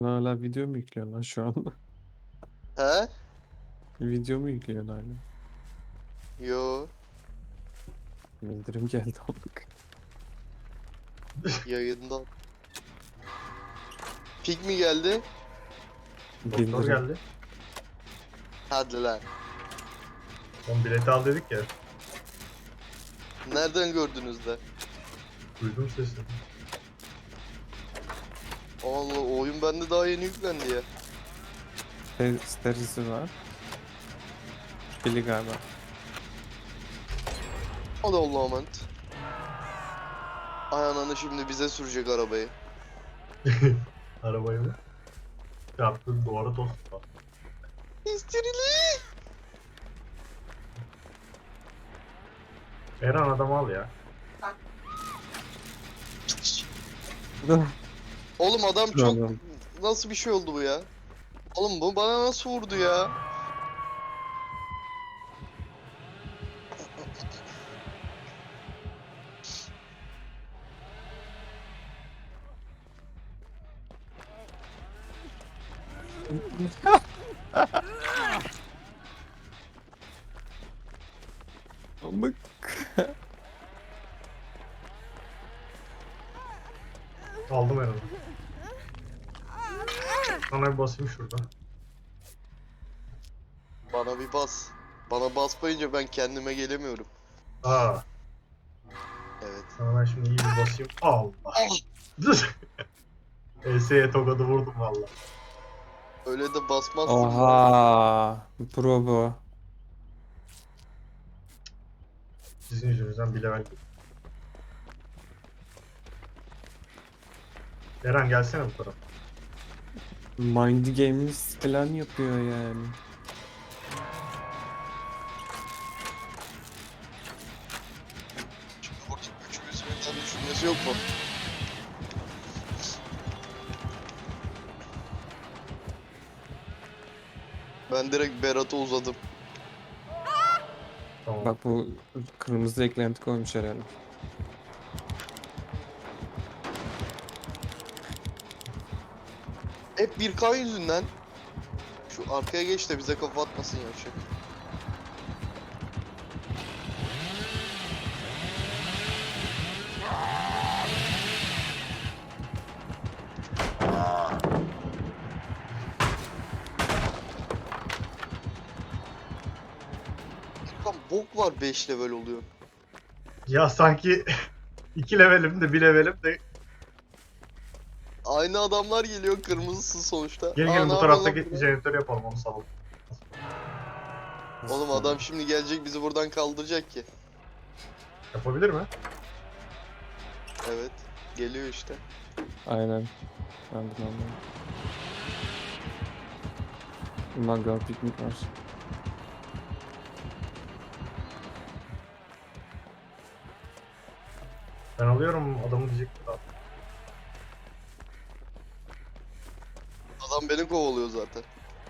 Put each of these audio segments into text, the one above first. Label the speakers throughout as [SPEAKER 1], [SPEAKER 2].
[SPEAKER 1] Hala video mu yüklüyorsun lan şu an?
[SPEAKER 2] He?
[SPEAKER 1] Video mu yüklüyorsun hala?
[SPEAKER 2] Yo.
[SPEAKER 1] Bildirim geldi amk.
[SPEAKER 2] Yayından. Pik mi geldi?
[SPEAKER 3] Doktor
[SPEAKER 1] Bildirim.
[SPEAKER 3] geldi.
[SPEAKER 2] Hadi lan.
[SPEAKER 3] Son bileti al dedik ya.
[SPEAKER 2] Nereden gördünüz de?
[SPEAKER 3] Duydum sesini.
[SPEAKER 2] Allah, o oyun bende daha yeni yüklendi ya.
[SPEAKER 1] Sterisi var. Pili galiba.
[SPEAKER 2] Hadi Allah'a emanet. Ay ananı şimdi bize sürecek arabayı.
[SPEAKER 3] Arabayı mı? Çarptı duvara tost.
[SPEAKER 2] İstirili.
[SPEAKER 3] Eren adamı al ya.
[SPEAKER 2] Oğlum adam çok...
[SPEAKER 1] Tamam.
[SPEAKER 2] Nasıl bir şey oldu bu ya? Oğlum bu bana nasıl vurdu ya?
[SPEAKER 1] Amk.
[SPEAKER 3] Aldım Eren'i. Sana bir basayım şurada.
[SPEAKER 2] Bana bir bas. Bana basmayınca ben kendime gelemiyorum.
[SPEAKER 3] Aa,
[SPEAKER 2] Evet.
[SPEAKER 3] sana ben şimdi iyi bir basayım. Allah. ES'ye tokadı vurdum valla.
[SPEAKER 2] Öyle de basmazsın.
[SPEAKER 1] Oha. Pro bu.
[SPEAKER 3] Sizin yüzünüzden bile ben. Eren gelsene bu tarafa.
[SPEAKER 1] Mind Games falan yapıyor yani.
[SPEAKER 2] Şimdi burada üçümüz birden düşünmesi yok mu? Ben direkt Berat'a uzadım.
[SPEAKER 3] Tamam.
[SPEAKER 1] Bak bu kırmızı eklenti koymuş herhalde.
[SPEAKER 2] Hep 1K yüzünden. Şu arkaya geç de bize kafa atmasın yavşak. Lan bok var 5 level oluyor.
[SPEAKER 3] Ya sanki 2 levelim de 1 levelim de
[SPEAKER 2] Aynı adamlar geliyor, kırmızısın sonuçta.
[SPEAKER 3] gelin
[SPEAKER 2] Aa,
[SPEAKER 3] gelin
[SPEAKER 2] ne
[SPEAKER 3] bu
[SPEAKER 2] yapıyorsun lan
[SPEAKER 3] taraftaki
[SPEAKER 2] burada?
[SPEAKER 3] jeneratörü yapalım onu salalım.
[SPEAKER 2] Oğlum adam şimdi gelecek bizi buradan kaldıracak ki.
[SPEAKER 3] Yapabilir mi?
[SPEAKER 2] Evet. Geliyor işte.
[SPEAKER 1] Aynen. Ben bunu anladım. Mangal piknik var.
[SPEAKER 3] Ben alıyorum adamı diyecektim daha.
[SPEAKER 2] Adam beni kovalıyor zaten.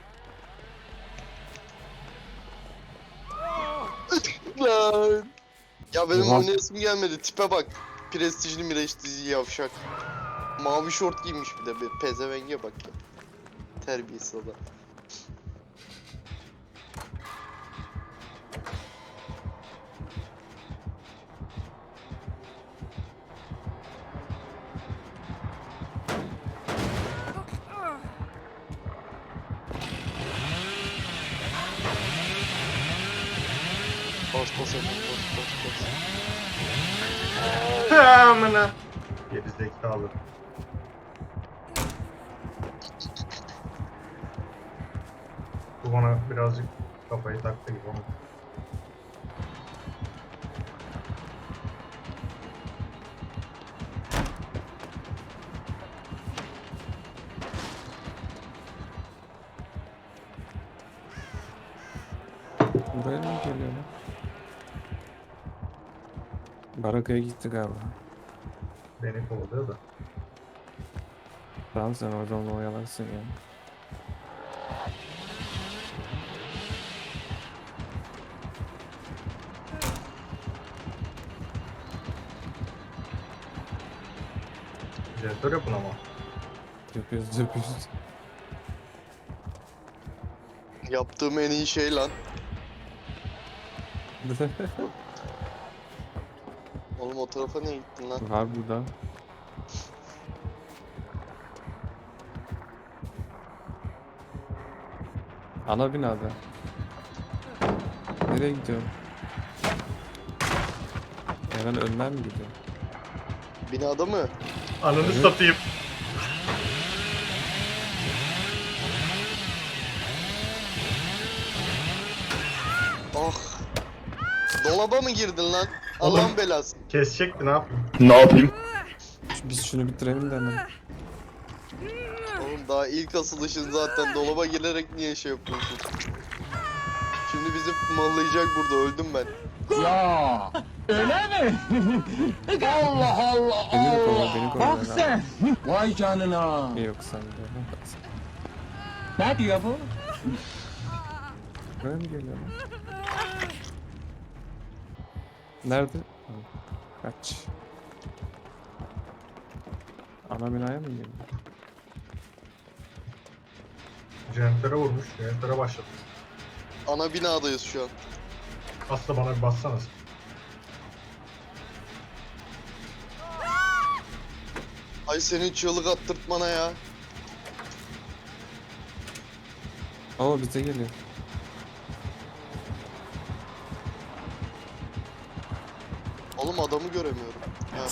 [SPEAKER 2] Lan. Ya benim
[SPEAKER 1] Oha.
[SPEAKER 2] oynayasım gelmedi. Tipe bak. Prestijli mireç dizi yavşak. Mavi şort giymiş bir de. Bir pezevenge bak ya. Terbiyesiz adam. Bas bas hemen bas bas bas.
[SPEAKER 3] Amına. Geri zekalı. Bu bana birazcık kafayı taktı gibi onu.
[SPEAKER 1] Buraya mı geliyor lan? Barakaya gitti galiba.
[SPEAKER 3] Beni kovalıyor da.
[SPEAKER 1] Tamam sen orada onu oyalarsın ya.
[SPEAKER 3] Jeneratör yapın ama.
[SPEAKER 1] Yapıyoruz yapıyoruz.
[SPEAKER 2] Yaptığım en iyi şey lan. Oğlum o tarafa niye gittin lan?
[SPEAKER 1] Var burada. Ana binada. Nereye gidiyorum? Hemen önden mi gidiyorum?
[SPEAKER 2] Binada mı?
[SPEAKER 3] Ananı
[SPEAKER 1] Evet.
[SPEAKER 3] satayım.
[SPEAKER 2] Ah. Dolaba mı girdin lan?
[SPEAKER 3] Oğlum.
[SPEAKER 2] Allah'ın belası.
[SPEAKER 3] Kesecekti, ne yapayım?
[SPEAKER 1] Biz şunu bitirelim de hemen.
[SPEAKER 2] Oğlum daha ilk asılışın zaten dolaba girerek niye şey yapıyorsun? Şimdi bizi mallayacak burada, öldüm ben.
[SPEAKER 4] Ya öyle mi? Allah Allah
[SPEAKER 1] Beni de kovala,
[SPEAKER 4] Allah.
[SPEAKER 1] beni kovala.
[SPEAKER 4] Bak sen. Vay canına.
[SPEAKER 1] Yok sen de.
[SPEAKER 4] Ne diyor bu?
[SPEAKER 1] Buraya mı geliyor lan? Nerede? Hı, kaç. Ana binaya mı geliyor?
[SPEAKER 3] Jeneratöre vurmuş. Jeneratöre başladı.
[SPEAKER 2] Ana binadayız şu an.
[SPEAKER 3] Aslı bana bir bassanız.
[SPEAKER 2] Ay senin çığlık attırtmana ya.
[SPEAKER 1] Oo bize geliyor.
[SPEAKER 2] Oğlum adamı göremiyorum. Ha.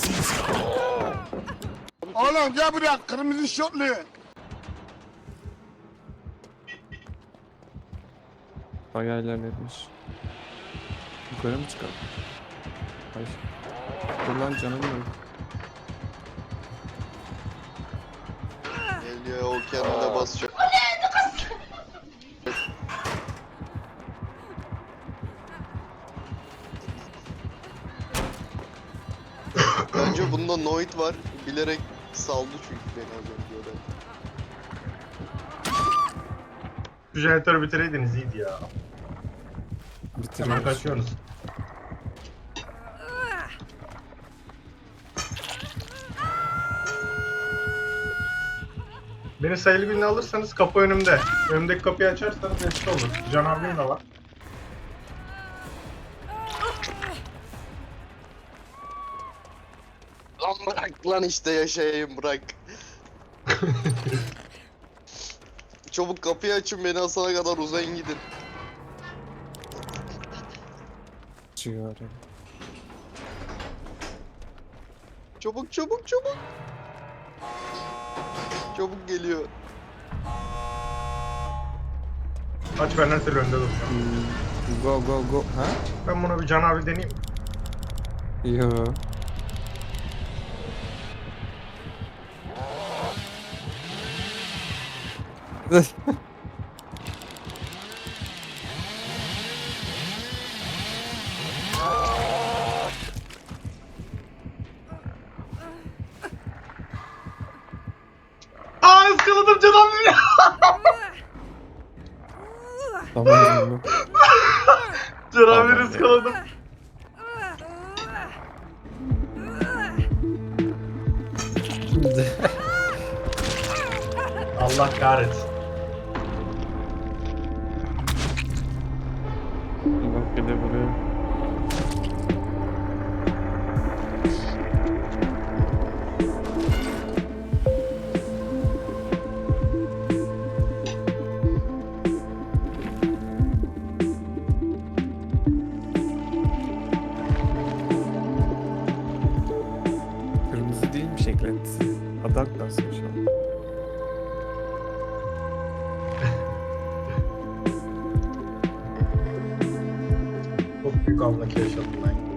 [SPEAKER 5] Oğlum gel buraya kırmızı şortlu.
[SPEAKER 1] Bayağı ilerletmiş. Yukarı mı çıkalım? Ay. Dur lan canım yok.
[SPEAKER 2] Geliyor, o kendine basacak. Bence bunda Noid var. Bilerek saldı çünkü beni az önce oraya.
[SPEAKER 3] Şu jeneratörü bitireydiniz iyiydi ya. Hemen
[SPEAKER 1] Bitiriyoruz.
[SPEAKER 3] kaçıyorsunuz. Beni sayılı gününe alırsanız kapı önümde. Önümdeki kapıyı açarsanız eski olur. Can abim de var.
[SPEAKER 2] Lan bırak lan, işte yaşayayım, bırak. Çabuk kapıyı açın, beni asana kadar uzayın gidin.
[SPEAKER 1] Çıkıyor oraya.
[SPEAKER 2] Çabuk çabuk çabuk. Çabuk geliyor.
[SPEAKER 3] Aç, ben her türlü önde duracağım.
[SPEAKER 1] Go go go. Ha?
[SPEAKER 3] Ben buna bir Can abi deneyeyim.
[SPEAKER 1] Yo.
[SPEAKER 3] Aa, ıskaladım Can abi.
[SPEAKER 1] Tamam canım.
[SPEAKER 3] Can abi
[SPEAKER 1] Tamam.
[SPEAKER 3] ıskaladım. Allah kahretsin.
[SPEAKER 1] Bak bir de buraya. Kırmızı değilmiş eklentisi. Adak basmış ama.
[SPEAKER 3] Çok büyük anlaki yaşadım ben.